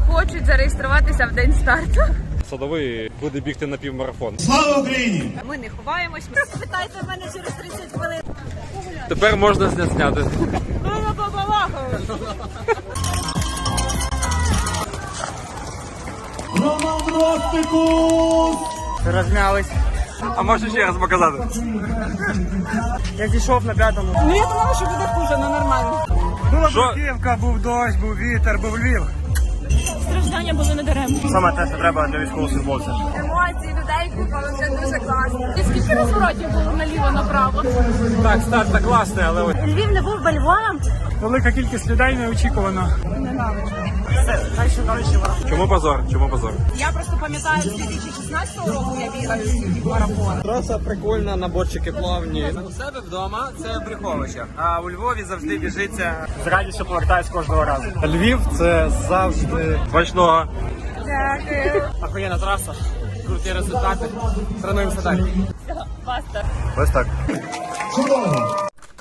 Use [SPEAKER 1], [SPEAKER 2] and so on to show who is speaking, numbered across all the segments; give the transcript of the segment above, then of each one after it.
[SPEAKER 1] хочуть зареєструватися в день старту.
[SPEAKER 2] Садовий буде бігти на півмарафон.
[SPEAKER 3] Слава Україні!
[SPEAKER 1] Ми не ховаємось. Питайте мене через 30 хвилин.
[SPEAKER 2] Тепер можна зняти.
[SPEAKER 3] Роман Ростикус!
[SPEAKER 4] Розмялись.
[SPEAKER 2] А можеш ще раз показати?
[SPEAKER 4] Я зійшов на п'ятому.
[SPEAKER 1] Ну я думала, що буде хуже, але нормально.
[SPEAKER 4] Була
[SPEAKER 2] Що?
[SPEAKER 4] бруківка, був дощ, був вітер, був Львів.
[SPEAKER 1] Страждання були недаремні.
[SPEAKER 4] Саме те, що треба для військовослужбовця.
[SPEAKER 1] Емоції людей купили, це дуже класно. І скільки розворотів було наліво-направо?
[SPEAKER 2] Так, старт так класний, але ось.
[SPEAKER 1] Львів не був Львовом.
[SPEAKER 4] Велика кількість людей неочікувано. Все, далі далі.
[SPEAKER 2] Чому позор? Чому позор?
[SPEAKER 1] Я просто пам'ятаю, з 2016 року я бігала марафон.
[SPEAKER 5] Траса прикольна, наборчики плавні. У себе вдома це в Брюховичах, а у Львові завжди біжиться.
[SPEAKER 4] З радістю повертаюсь кожного разу. Львів це завжди
[SPEAKER 2] Смачного.
[SPEAKER 1] Дякую.
[SPEAKER 5] Охуєнна траса, круті результати. Тренуємося далі.
[SPEAKER 1] Баста.
[SPEAKER 2] Ось так.
[SPEAKER 3] Чудово!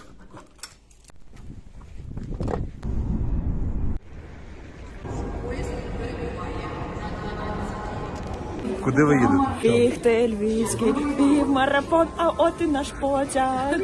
[SPEAKER 2] Куди ви їдете?
[SPEAKER 1] Бігти львівський, півмарафон, а от і наш потяг.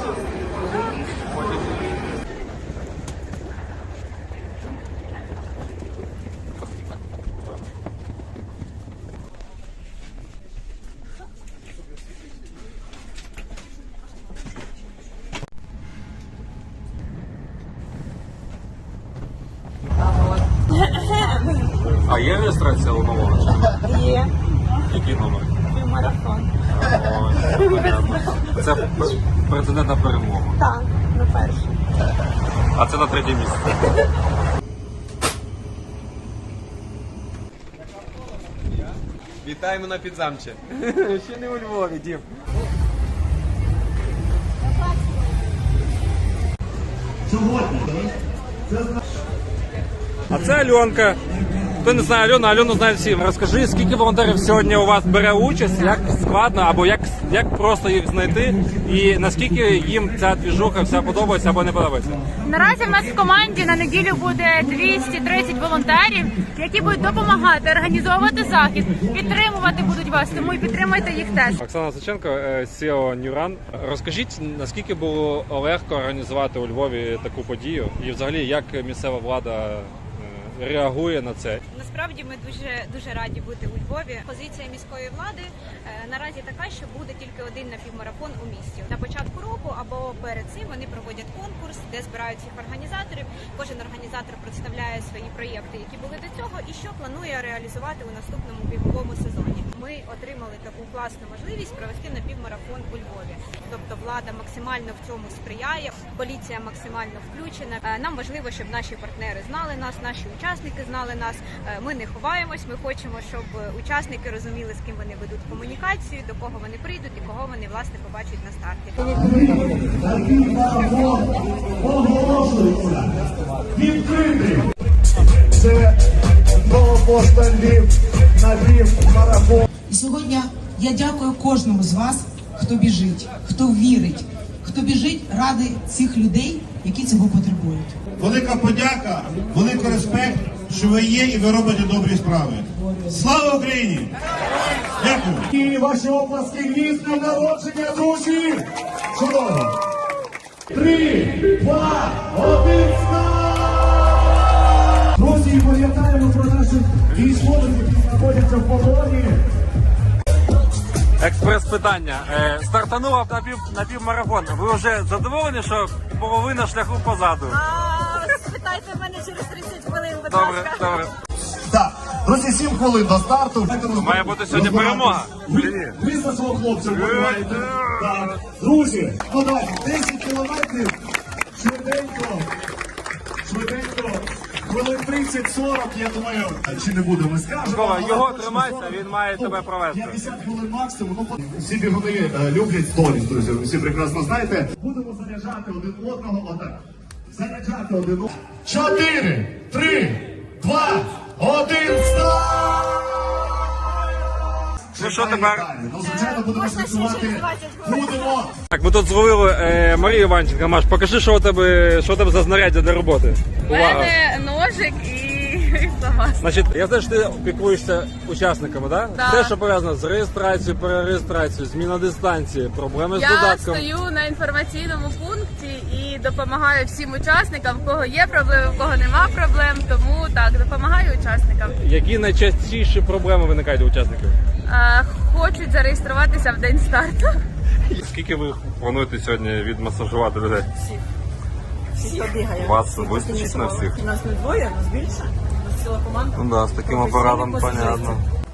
[SPEAKER 2] А є реєстрація у нового?
[SPEAKER 1] Є.
[SPEAKER 2] Який номер?
[SPEAKER 1] Півмарафон.
[SPEAKER 2] Це претендент на перемогу.
[SPEAKER 1] Так, на перший.
[SPEAKER 2] А це на третє місце.
[SPEAKER 5] Вітаємо на Підзамче. Ще не у Львові, Дім.
[SPEAKER 2] А це Альонка. Хто не знає Альону знають всі. Розкажи, скільки волонтерів сьогодні у вас бере участь, як складно, або як просто їх знайти, і наскільки їм ця двіжуха вся подобається або не подобається?
[SPEAKER 1] Наразі в нас в команді на неділю буде 230 волонтерів, які будуть допомагати організовувати захід, підтримувати будуть вас, тому і підтримайте їх теж.
[SPEAKER 2] Оксана Саченко, CEO New Run. Розкажіть, наскільки було легко організувати у Львові таку подію, і взагалі як місцева влада реагує на це?
[SPEAKER 6] Насправді ми дуже раді бути у Львові. Позиція міської влади наразі така, що буде тільки один напівмарафон у місті. На початку року або перед цим вони проводять конкурс, де збирають всіх організаторів. Кожен організатор представляє свої проєкти, які були до цього, і що планує реалізувати у наступному біговому сезоні. Ми отримали таку класну можливість провести напівмарафон у Львові. Тобто влада максимально в цьому сприяє, поліція максимально включена. Нам важливо, щоб наші партнери знали нас, наші учасники знали нас. Ми не ховаємось, ми хочемо, щоб учасники розуміли, з ким вони ведуть комунікацію, до кого вони прийдуть і кого вони, власне, побачать на старті.
[SPEAKER 3] Оголошується відкритим. Це новопошта Львів на півмарафон.
[SPEAKER 7] І сьогодні я дякую кожному з вас, хто біжить, хто вірить, хто біжить ради цих людей, які цього потребують.
[SPEAKER 3] Велика подяка, великий респект, що ви є і ви робите добрі справи. Слава Україні! Дякую! І ваші оплески Львів на народження, друзі! Чудово! 3, 2, 1, старт! Друзі, пам'ятаємо про наших військових, які знаходяться в полоні.
[SPEAKER 2] Експрес-питання. Стартанула на півмарафон. Ви вже задоволені, що половина шляху позаду?
[SPEAKER 1] Питайте мене через 30 хвилин, будь
[SPEAKER 2] Добре,
[SPEAKER 1] ласка.
[SPEAKER 2] добре.
[SPEAKER 3] Так, друзі, 7 хвилин до старту.
[SPEAKER 2] Має бути сьогодні перемога.
[SPEAKER 3] Ви за свого хлопця вбиваєте. Так. Друзі, ну давайте, 10 кілометрів. Швиденько. Хвилин 30-40, я думаю, чи не будемо скажемо.
[SPEAKER 2] Микола, його тримайся, він має тебе провести.
[SPEAKER 3] 50 хвилин максимум. Ну, всі бігуни люблять сторіс, друзі, ви всі прекрасно знаєте. Будемо заряджати один одного отак. Заряджати один одного. 4, 3, 2, 1, старт!
[SPEAKER 2] Ну що тепер?
[SPEAKER 3] Ну, звичайно, будемо працювати. Будемо.
[SPEAKER 2] Так, ми тут зловили Марію Іванченко. Маш, покажи, що у тебе за знаряддя для роботи.
[SPEAKER 1] У мене ножик і Сама.
[SPEAKER 2] Значить, я знаю, що ти опікуєшся учасниками, так?
[SPEAKER 1] Да.
[SPEAKER 2] Все, що пов'язано з реєстрацією, перереєстрацією, зміна дистанції, проблеми з
[SPEAKER 1] Я
[SPEAKER 2] додатком.
[SPEAKER 1] стою на інформаційному пункті і допомагаю всім учасникам, в кого є проблеми, в кого нема проблем. Тому так, допомагаю учасникам.
[SPEAKER 2] Які найчастіші проблеми виникають у учасників?
[SPEAKER 1] Хочуть зареєструватися в день старту.
[SPEAKER 2] Скільки ви плануєте сьогодні відмасажувати людей?
[SPEAKER 8] Всі бігає.
[SPEAKER 2] Вас вистачить на всіх?
[SPEAKER 8] Нас не двоє, нас більше. У нас ціла команда.
[SPEAKER 2] Ну да, з таким апаратом понятно.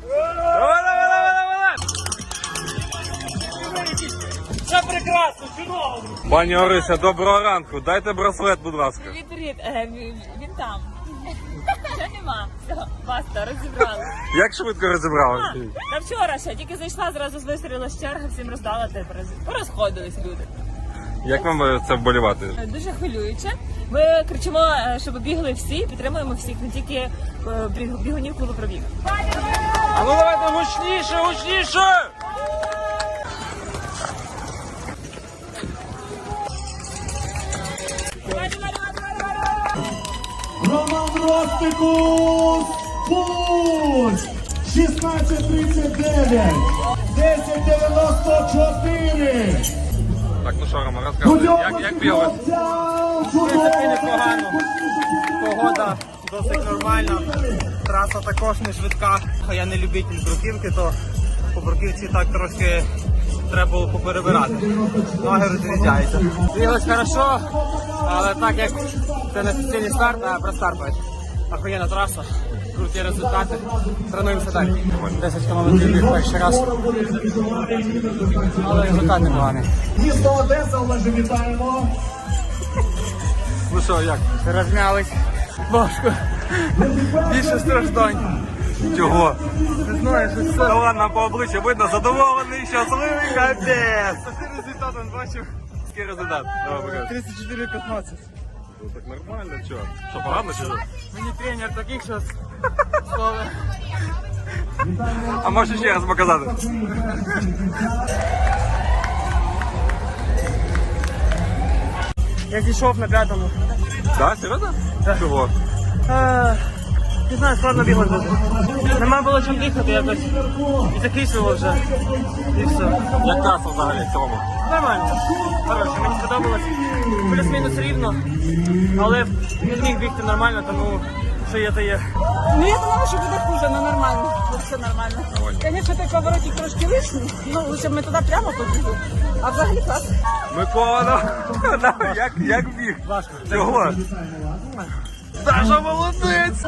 [SPEAKER 4] Все прекрасно, чудово.
[SPEAKER 2] Пані Орися, доброго ранку. Дайте браслет, будь ласка.
[SPEAKER 8] Привіт, він там. Ще нема. Все, баста, розібрали.
[SPEAKER 2] Як швидко розібрали?
[SPEAKER 8] Та вчора ще, тільки зайшла, зразу вистрілила з черги, всім роздала, порозходились люди.
[SPEAKER 2] Як вам це вболівати?
[SPEAKER 8] Дуже хвилююче. Ми кричимо, щоб бігли всі, підтримуємо всіх, не тільки бігунів клубу «Пробіг».
[SPEAKER 2] А ну давайте гучніше, гучніше!
[SPEAKER 3] Роман Ростикус, путь! 16:39, 10:94.
[SPEAKER 2] Так, ну що, Рома, розказуй, як бігали?
[SPEAKER 5] В принципі, непогано. Погода досить нормальна. Траса також не швидка. Я не любитель бруківки, то по бруківці так трошки треба було поперебирати. Ноги розрізняються. Біглось хорошо, але так як це не офіційний старт, а простарт. Охуєнна траса, круті результати. Тренуємося далі. 10 км біг перший раз. Але результат непоганий.
[SPEAKER 3] Місто Одеса, Олеже, вітаємо.
[SPEAKER 2] Ну що, як?
[SPEAKER 5] Розмялись. Важко. Більше страждань.
[SPEAKER 2] Чого?
[SPEAKER 5] Не знаю, що це.
[SPEAKER 2] Та ладно, по обличчю видно, задоволений, щасливий, капець.
[SPEAKER 5] Такий результат він бачив.
[SPEAKER 2] Який результат? Давай покажи.
[SPEAKER 5] 34-15.
[SPEAKER 2] Ну так нормально, чого? Що, погано чи що?
[SPEAKER 5] Мені тренер таких що слово.
[SPEAKER 2] А можеш ще раз показати?
[SPEAKER 5] Я зійшов на п'ятому.
[SPEAKER 2] Так, серйозно? Чого?
[SPEAKER 5] Не знаю, складно бігати дуже. Нема було чим дихати якось. І закислило вже. І все.
[SPEAKER 2] Як траса взагалі в цілому?
[SPEAKER 5] Нормально. Хороше, мені сподобалось. Плюс-мінус рівно. Але не зміг бігти нормально, тому що є, то є.
[SPEAKER 8] Ну я думала, що буде хуже, але нормально. Тут все нормально. Звісно, той поворотик трошки лишній, ну лише ми туди прямо побігли. А взагалі клас.
[SPEAKER 2] Микола, як біг?
[SPEAKER 5] Важко.
[SPEAKER 2] Чого? Даша молодець!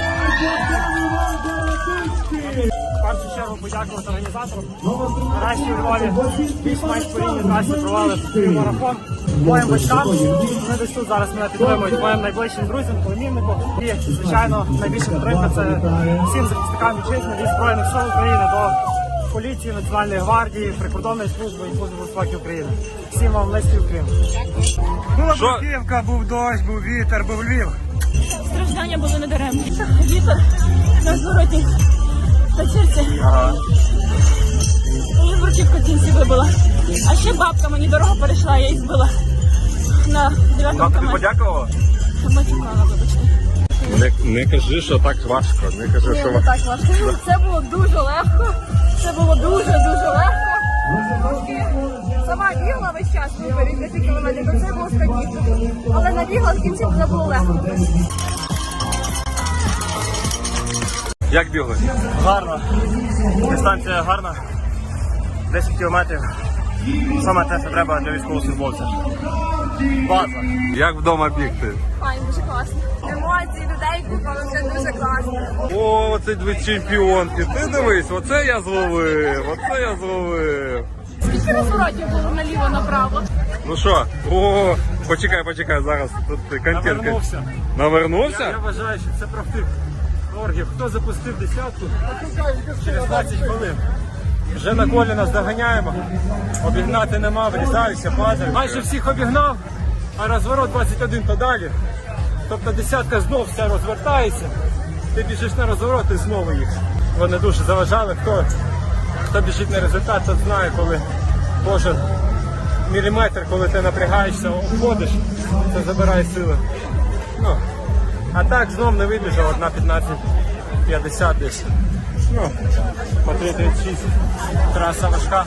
[SPEAKER 5] В першу чергу подякувати організаторам. Нарешті у Львові більш менш по рівні трасі провели марафон. Моїм батькам, вони десь тут зараз мене підтримують, моїм найближчим друзям, племіннику. І, звичайно, найбільша підтримка це всім захисникам вітчизни від Збройних сил України до поліції, Національної гвардії, прикордонної служби і служби безпеки України. Всім вам низький уклін. Була
[SPEAKER 2] Що?
[SPEAKER 5] бруківка, був дощ, був вітер, був Львів.
[SPEAKER 8] Страждання були недаремні. Вітер на звороті вечірці. І бруківка в кінці вибила. А ще бабка мені дорогу перейшла, я її збила на 9-му
[SPEAKER 2] Тобі
[SPEAKER 8] камері.
[SPEAKER 2] подякувала?
[SPEAKER 8] Матюкала, вибачте.
[SPEAKER 2] Не кажи, що так важко. Не кажи,
[SPEAKER 8] Ні,
[SPEAKER 2] що
[SPEAKER 8] не так важко. Це було дуже легко. Це було дуже-дуже легко. Сама бігла весь час виборі 10 кілометрів, то це було складніше. Але набігла в кінці, це було легко.
[SPEAKER 2] Як бігли?
[SPEAKER 5] Гарно. Дистанція гарна. 10 кілометрів. Саме те, що треба для військовослужбовця. База.
[SPEAKER 2] Як вдома бігти?
[SPEAKER 8] Файн, дуже класно. Емоції людей купили, це дуже класно.
[SPEAKER 2] О, оце дві чемпіонки. Ти дивись, оце я зловив, оце я зловив.
[SPEAKER 1] Скільки розворотів було наліво-направо?
[SPEAKER 2] Ну що? О, почекай, зараз тут контент.
[SPEAKER 5] Навернувся.
[SPEAKER 2] Навернувся?
[SPEAKER 5] Я вважаю, що це профтик оргів. Хто запустив десятку через 20 хвилин. Вже на колі нас доганяємо. Обігнати нема, врізаюся, падають. Майже всіх обігнав, а розворот 21 то далі. Тобто десятка знов все розвертається. Ти біжиш на розворот і знову їх. Вони дуже заважали. Хто біжить на результат, тот знає, коли кожен міліметр, коли ти напрягаєшся, обходиш, це забирає сили. Ну, А так знов не вибіжав, 1:15:50 десь. Ну, по 3:36. Траса важка.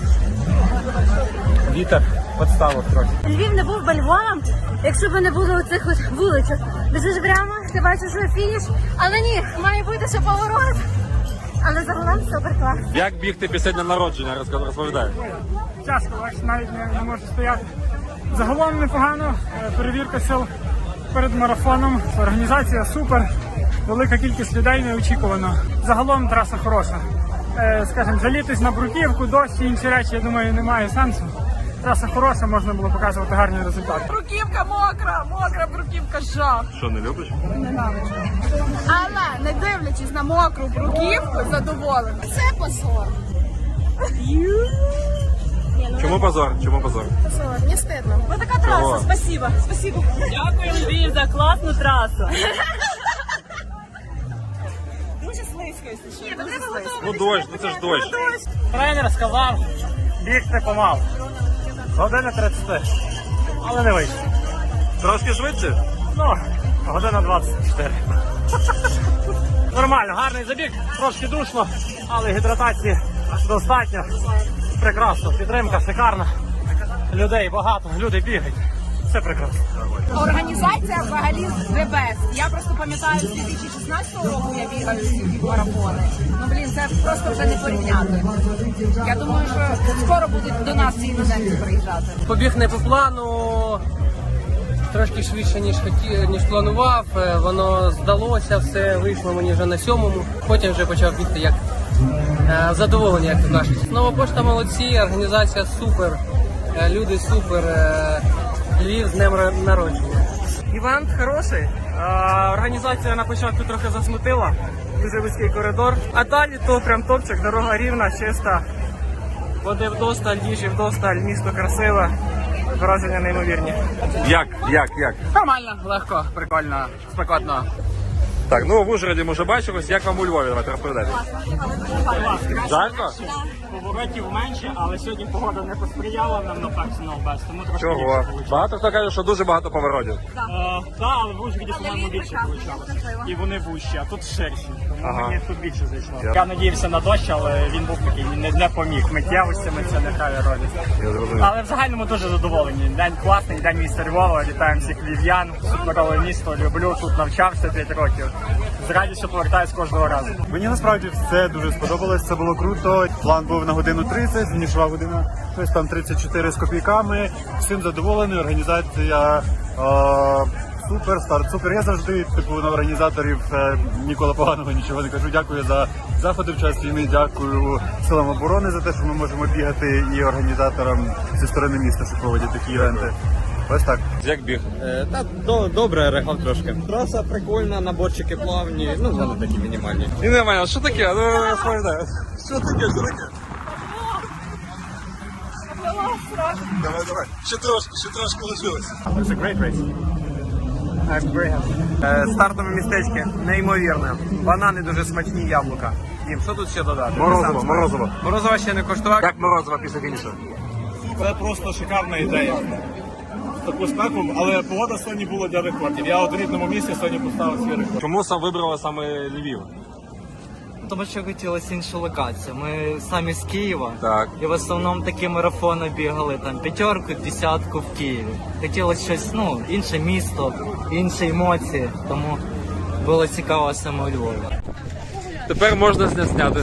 [SPEAKER 5] Вітер підставив трохи.
[SPEAKER 8] Львів не був би Львовом, якщо б не було оцих от вуличок. Біжиш прямо, ти бачиш, що фініш, але ні, має бути ще поворот. Але загалом супер клас.
[SPEAKER 2] Як бігти після дня народження, розповідай.
[SPEAKER 4] Тяжко, бачиш, навіть не можу стояти. Загалом непогано, перевірка сил перед марафоном, організація супер, велика кількість людей неочікувано. Загалом траса хороша. Скажімо, жалітись на бруківку, дощ і інші речі, я думаю, немає сенсу. Траса хороша, можна було показувати гарні результати.
[SPEAKER 8] Бруківка мокра бруківка, жах.
[SPEAKER 2] Що, не любиш?
[SPEAKER 8] Ненавиджу. Але не дивлячись на мокру бруківку, задоволена. Це позор.
[SPEAKER 2] Чому позор? Чому позор?
[SPEAKER 8] Позор, не стидно. Ось така
[SPEAKER 2] Чого?
[SPEAKER 8] траса, спасибо.
[SPEAKER 4] Дякую, Львів, за класну трасу.
[SPEAKER 8] Дуже слизько, якщо що. Дуже слизько.
[SPEAKER 2] Ну дощ, ну це ж дощ.
[SPEAKER 4] Тренер сказав, бігти помалу. 1:30, але не вийшло.
[SPEAKER 2] Трошки швидше?
[SPEAKER 4] Ну, 1:24. Нормально, гарний забіг, трошки душно, але гідратації достатньо. Прекрасно, підтримка шикарна. Людей багато, люди бігають. Все прекрасно.
[SPEAKER 9] Організація взагалі the best. Я просто пам'ятаю, з 2016 року я бігаю ці марафони. Ну, блін, це просто вже не порівняти. Я думаю, що скоро будуть до нас ці іноземці приїжджати.
[SPEAKER 10] Побіг не по плану, трошки швидше, ніж планував. Воно здалося, все вийшло мені вже на 7-му. Потім вже почав бігти як задоволені, як то кажуть. Нова пошта молодці, організація супер, люди супер, Львів з днем народження.
[SPEAKER 5] Івент хороший. Організація на початку трохи засмутила. Дуже вузький коридор. А далі то прям топчик, дорога рівна, чиста. Води вдосталь, їжі вдосталь, місто красиве. Враження неймовірні.
[SPEAKER 2] Як?
[SPEAKER 10] Нормально, легко, прикольно, спекотно.
[SPEAKER 2] Так, ну в Ужгороді ми вже бачились, як вам у Львові, давайте розповідайте. Жарко?
[SPEAKER 4] Поворотів менше, але сьогодні погода не посприяла нам на персонал без, тому трошки
[SPEAKER 2] Чого?
[SPEAKER 4] більше вийшло.
[SPEAKER 2] Багато хто каже, що дуже багато поворотів.
[SPEAKER 4] Так, але в Ужгороді, по-моєму, більше вийшло. І вони вужчі, а тут ширші. Тому
[SPEAKER 2] Ага.
[SPEAKER 4] мені тут більше зайшло. Я надіявся на дощ, але він був такий, не поміг. Миттєвостями це не грає ролі.
[SPEAKER 2] Я зрозумів.
[SPEAKER 4] Але в загальному дуже задоволені. День класний, день міста Львова. Вітаємо всіх львів'ян. Суперове місто, люблю. Тут навчався 5 років. З радістю повертаюсь кожного разу.
[SPEAKER 11] Мені насправді все дуже сподобалось, це було круто. План був на 1:30, фінішова година, щось там 34 з копійками. Всім задоволений, організація супер, старт супер. Я завжди на організаторів ніколи поганого нічого не кажу. Дякую за заходи в час війни, дякую силам оборони за те, що ми можемо бігати, і організаторам зі сторони міста, що проводять такі івенти. Ось так.
[SPEAKER 2] Як біг?
[SPEAKER 5] Та добре, рехав трошки. Траса прикольна, наборчики плавні, ну вони такі мінімальні.
[SPEAKER 2] І немає, що таке? Ну розповідай. Що таке? Давай. Ще трошки лишилось.
[SPEAKER 5] It's a great race. I'm very happy. Стартове містечко неймовірне. Банани дуже смачні, яблука. Дім, що тут ще додати?
[SPEAKER 2] Морозиво.
[SPEAKER 5] Морозова ще не коштував.
[SPEAKER 2] Як морозиво після фінішу?
[SPEAKER 11] Це просто шикарна ідея. Таку спеку, але погода сьогодні була для рекордів. Я от в рідному місці сьогодні поставив свій рекорд.
[SPEAKER 2] Чому вибрали саме Львів?
[SPEAKER 10] Тому що хотілося іншу локацію. Ми самі з Києва.
[SPEAKER 2] Так.
[SPEAKER 10] І в основному такі марафони бігали, там 5-ку, 10-ку в Києві. Хотілося щось, інше місто, інші емоції, тому було цікаво саме у Львові.
[SPEAKER 2] Тепер можна зняти.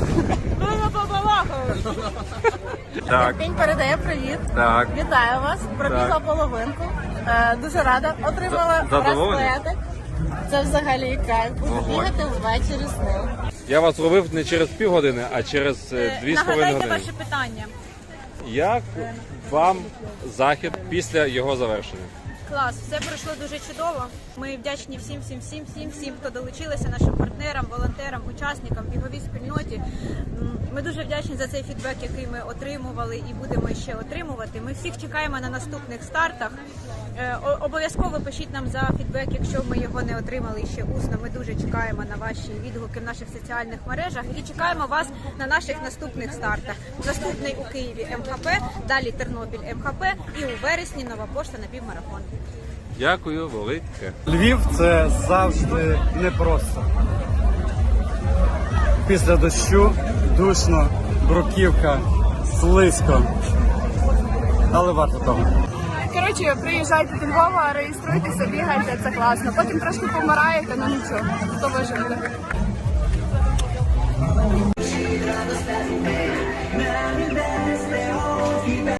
[SPEAKER 2] Так.
[SPEAKER 8] День передає привіт.
[SPEAKER 2] Так.
[SPEAKER 8] Вітаю вас. Пробігла половинку. Дуже рада. Отримала
[SPEAKER 2] Задоволені?
[SPEAKER 8] браслетик. Це взагалі кайф. Буду бігати ввечері з ним.
[SPEAKER 2] Я вас ловив не через півгодини, а через 2,5
[SPEAKER 1] Нагадайте
[SPEAKER 2] години.
[SPEAKER 1] ваше питання.
[SPEAKER 2] Як вам захід після його завершення?
[SPEAKER 6] Клас, все пройшло дуже чудово. Ми вдячні всім, хто долучилися, нашим партнерам, волонтерам, учасникам, біговій спільноті. Ми дуже вдячні за цей фідбек, який ми отримували і будемо ще отримувати. Ми всіх чекаємо на наступних стартах. Обов'язково пишіть нам за фідбек, якщо ми його не отримали ще усно. Ми дуже чекаємо на ваші відгуки в наших соціальних мережах і чекаємо вас на наших наступних стартах. Наступний у Києві МХП, далі Тернопіль МХП і у вересні Нова пошта на півмарафон.
[SPEAKER 2] Дякую, велике.
[SPEAKER 11] Львів це завжди непросто. Після дощу душно, бруківка, слизько. Але варто того.
[SPEAKER 8] Коротше, приїжджайте до Львова, реєструйтеся, бігайте, це класно. Потім трошки помираєте, ну нічого, то виживете.